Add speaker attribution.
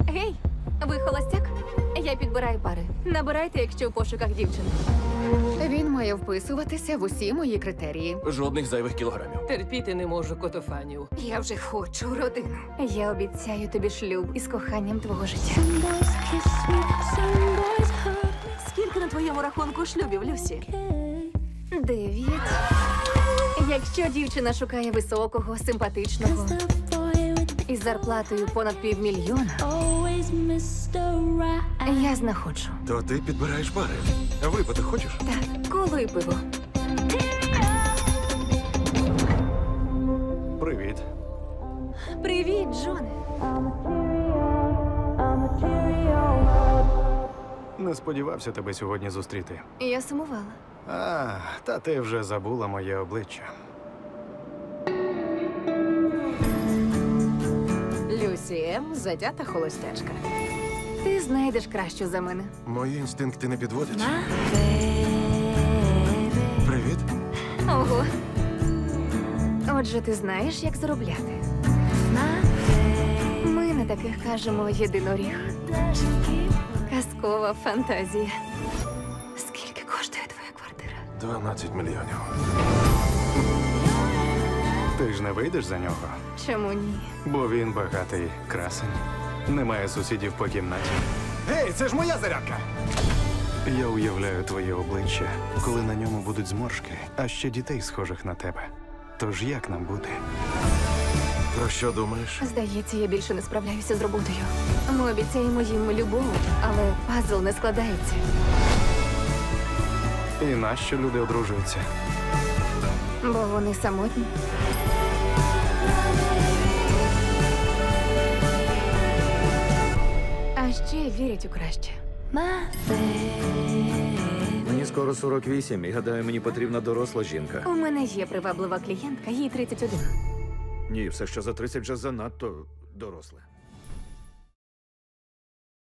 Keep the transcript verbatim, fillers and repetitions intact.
Speaker 1: Гей, ви холостяк? Я підбираю пари. Набирайте, якщо в пошуках дівчини.
Speaker 2: Він має вписуватися в усі мої критерії.
Speaker 3: Жодних зайвих кілограмів.
Speaker 4: Терпіти не можу котофанів.
Speaker 2: Я вже хочу родину.
Speaker 1: Я обіцяю тобі шлюб із коханням твого життя.
Speaker 5: Скільки на твоєму рахунку шлюбів, Люсі?
Speaker 1: Дев'ять. Якщо дівчина шукає високого, симпатичного із зарплатою понад півмільйона, я знаходжу.
Speaker 3: То ти підбираєш пари. А випити хочеш?
Speaker 1: Так, коло і пиво.
Speaker 3: Привіт.
Speaker 1: Привіт, Джоне.
Speaker 6: Не сподівався тебе сьогодні зустріти.
Speaker 1: Я сумувала.
Speaker 6: А, та ти вже забула моє обличчя.
Speaker 4: Люсі М. затята холостячка.
Speaker 1: Ти знайдеш кращу за мене.
Speaker 3: Мої інстинкти не підводять. Привіт.
Speaker 1: Ого. Отже, ти знаєш, як заробляти. Ми на таких кажемо єдиноріг. Казкова фантазія. Скільки коштує твоя квартира?
Speaker 3: дванадцять мільйонів.
Speaker 6: Ти ж не вийдеш за нього,
Speaker 1: Чому ні?
Speaker 6: бо він багатий красень. Немає сусідів по кімнаті.
Speaker 3: Гей, це ж моя зарядка!
Speaker 6: Я уявляю твоє обличчя, коли на ньому будуть зморшки, а ще дітей, схожих на тебе. Тож як нам буде?
Speaker 3: Про що думаєш?
Speaker 1: Здається, я більше не справляюся з роботою. Ми обіцяємо їм любов, але пазл не складається.
Speaker 6: І нащо люди одружуються?
Speaker 1: Бо вони самотні. А ще вірять у краще.
Speaker 7: Мені скоро сорок вісім, і гадаю, мені потрібна доросла жінка.
Speaker 1: У мене є приваблива клієнтка, їй тридцять один.
Speaker 7: Ні, все, що за тридцять вже занадто доросле.